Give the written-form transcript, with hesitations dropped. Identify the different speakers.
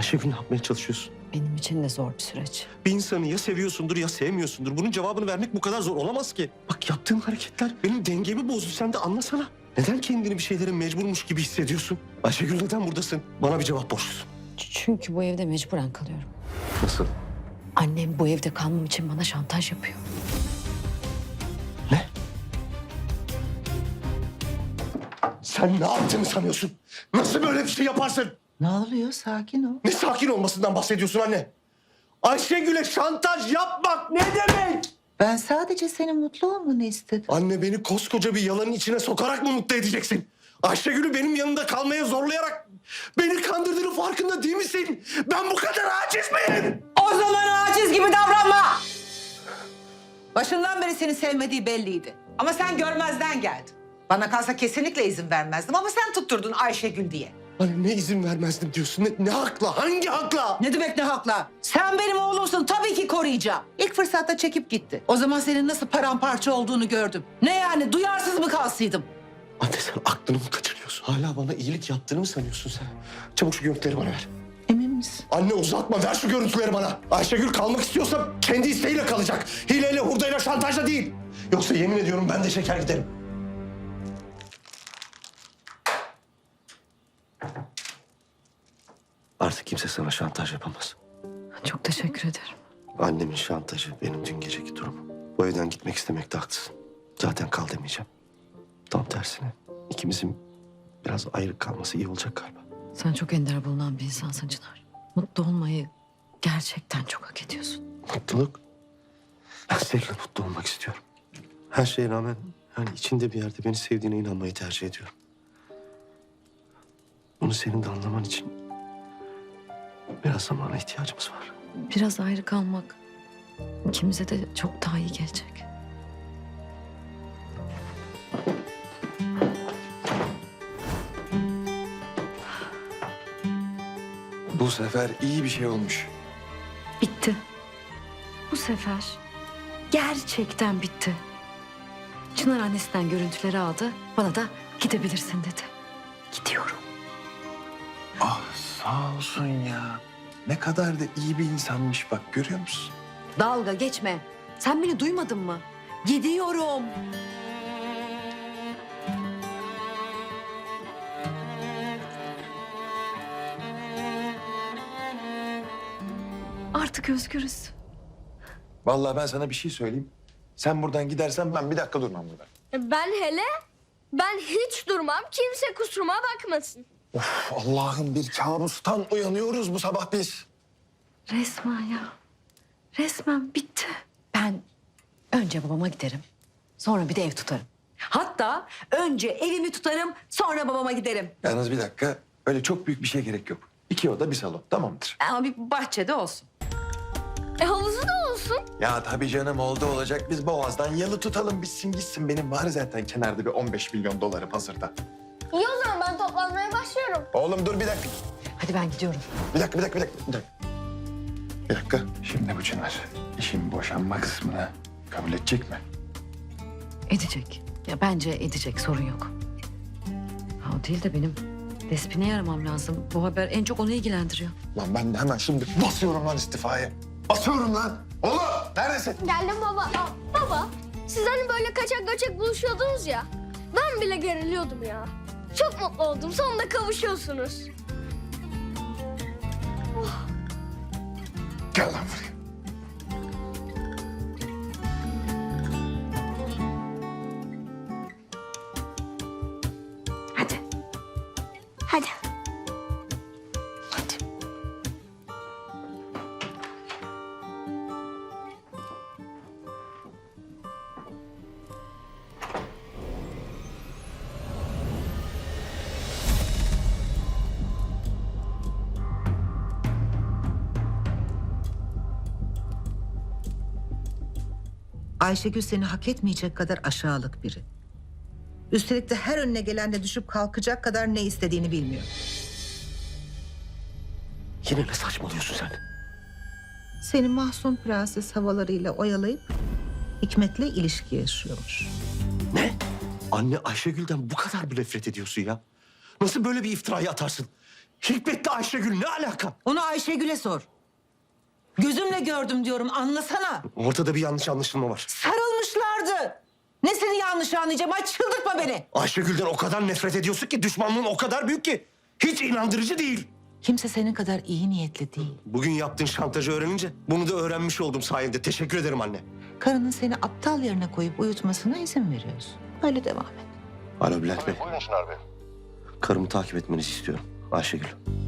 Speaker 1: Ayşegül ne yapmaya çalışıyorsun?
Speaker 2: Benim için de zor bir süreç.
Speaker 1: Bir insanı ya seviyorsundur ya sevmiyorsundur. Bunun cevabını vermek bu kadar zor olamaz ki. Bak yaptığın hareketler benim dengemi bozdu. Sen de anlasana. Neden kendini bir şeylere mecburmuş gibi hissediyorsun? Ayşegül neden buradasın? Bana bir cevap borçlusun.
Speaker 2: Çünkü bu evde mecburen kalıyorum.
Speaker 1: Nasıl?
Speaker 2: Annem bu evde kalmam için bana şantaj yapıyor.
Speaker 1: Ne? Sen ne yaptığını sanıyorsun? Nasıl böyle bir şey yaparsın?
Speaker 3: Ne oluyor? Sakin ol.
Speaker 1: Ne sakin olmasından bahsediyorsun anne? Ayşegül'e şantaj yapmak ne demek?
Speaker 3: Ben sadece senin mutlu olmanı istedim.
Speaker 1: Anne beni koskoca bir yalanın içine sokarak mı mutlu edeceksin? Ayşegül'ü benim yanında kalmaya zorlayarak beni kandırdığının farkında değil misin? Ben bu kadar aciz miyim?
Speaker 3: O zaman aciz gibi davranma. Başından beri seni sevmediği belliydi. Ama sen görmezden geldin. Bana kalsa kesinlikle izin vermezdim ama sen tutturdun Ayşegül diye.
Speaker 1: Hani ne izin vermezdim diyorsun? Ne hakla? Hangi hakla?
Speaker 3: Ne demek ne hakla? Sen benim oğlumsun, tabii ki koruyacağım. İlk fırsatta çekip gitti. O zaman senin nasıl paramparça olduğunu gördüm. Ne yani, duyarsız mı kalsaydım?
Speaker 1: Anne sen aklını mı kaçırıyorsun? Hala bana iyilik yaptığını mı sanıyorsun sen? Çabuk şu görüntüleri bana ver.
Speaker 3: Emin misin?
Speaker 1: Anne uzatma, ver şu görüntüleri bana. Ayşegül kalmak istiyorsa kendi isteğiyle kalacak. Hileyle, hurdayla, şantajla değil. Yoksa yemin ediyorum ben de çeker giderim. Artık kimse sana şantaj yapamaz.
Speaker 2: Çok teşekkür ederim.
Speaker 1: Annemin şantajı benim dün geceki durumum. Bu evden gitmek istemekte haklısın. Zaten kal demeyeceğim. Tam tersine ikimizin biraz ayrı kalması iyi olacak galiba.
Speaker 2: Sen çok ender bulunan bir insansın Çınar. Mutlu olmayı gerçekten çok hak ediyorsun.
Speaker 1: Mutluluk. Ben seninle mutlu olmak istiyorum. Her şeye rağmen yani içinde bir yerde beni sevdiğine inanmayı tercih ediyorum. Bunu senin de anlaman için biraz zamana ihtiyacımız var.
Speaker 2: Biraz ayrı kalmak ikimize de çok daha iyi gelecek.
Speaker 4: Bu sefer iyi bir şey olmuş.
Speaker 2: Bitti. Bu sefer gerçekten bitti. Çınar annesinden görüntüleri aldı. Bana da gidebilirsin dedi. Gidiyorum.
Speaker 4: Ah sağ olsun ya. Ne kadar da iyi bir insanmış bak, görüyor musun?
Speaker 2: Dalga geçme. Sen beni duymadın mı? Gidiyorum. Artık özgürüz.
Speaker 4: Vallahi ben sana bir şey söyleyeyim. Sen buradan gidersen ben bir dakika durmam burada.
Speaker 5: Ben hiç durmam. Kimse kusuruma bakmasın.
Speaker 4: Allah'ım, bir kabustan uyanıyoruz bu sabah biz.
Speaker 2: Resmen ya. Resmen bitti. Ben önce babama giderim. Sonra bir de ev tutarım. Hatta önce evimi tutarım, sonra babama giderim.
Speaker 4: Yalnız bir dakika, öyle çok büyük bir şeye gerek yok. 2 oda bir salon, tamamdır.
Speaker 2: Ama bir bahçede olsun.
Speaker 5: Havuzu da olsun.
Speaker 4: Ya tabii canım, oldu olacak. Biz Boğaz'dan yalı tutalım, bitsin gitsin. Benim var zaten kenarda bir 15 milyon dolarım hazırda.
Speaker 5: İyi o zaman ben toplanmaya başlıyorum.
Speaker 4: Oğlum dur bir dakika.
Speaker 2: Hadi ben gidiyorum.
Speaker 4: Bir dakika. Bir dakika. Şimdi bu Çınar işin boşanma kısmını kabul edecek mi?
Speaker 2: Edecek. Ya bence edecek, sorun yok. Ha, o değil de benim Despin'i aramam lazım. Bu haber en çok onu ilgilendiriyor.
Speaker 4: Lan ben de hemen şimdi basıyorum lan istifaya. Basıyorum lan. Oğlum neredesin?
Speaker 5: Geldim baba. Baba, siz hani böyle kaçak göçek buluşuyordunuz ya. Ben bile geriliyordum ya. Çok mutlu oldum. Sonunda kavuşuyorsunuz.
Speaker 4: Gel lan buraya.
Speaker 2: Hadi.
Speaker 5: Hadi.
Speaker 4: Hadi.
Speaker 3: Ayşegül seni hak etmeyecek kadar aşağılık biri. Üstelik de her önüne gelenle düşüp kalkacak kadar ne istediğini bilmiyor.
Speaker 1: Yine ne saçmalıyorsun sen?
Speaker 3: Seni mahzun prenses havalarıyla oyalayıp Hikmet'le ilişki yaşıyormuş.
Speaker 1: Ne? Anne Ayşegül'den bu kadar mı nefret ediyorsun ya? Nasıl böyle bir iftirayı atarsın? Hikmet'le Ayşegül ne alaka?
Speaker 3: Onu Ayşegül'e sor. Gözümle gördüm diyorum, anlasana.
Speaker 1: Ortada bir yanlış anlaşılma var.
Speaker 3: Sarılmışlardı. Nesini yanlış anlayacağım? Ay çıldırtma beni.
Speaker 1: Ayşegül'den o kadar nefret ediyorsun ki düşmanlığın o kadar büyük ki. Hiç inandırıcı değil.
Speaker 3: Kimse senin kadar iyi niyetli değil.
Speaker 1: Bugün yaptığın şantajı öğrenince bunu da öğrenmiş oldum sayende. Teşekkür ederim anne.
Speaker 3: Karının seni aptal yerine koyup uyutmasına izin veriyorsun. Öyle devam et.
Speaker 1: Alo Bülent Bey.
Speaker 4: Buyurun Çınar Bey.
Speaker 1: Karımı takip etmenizi istiyorum. Ayşegül.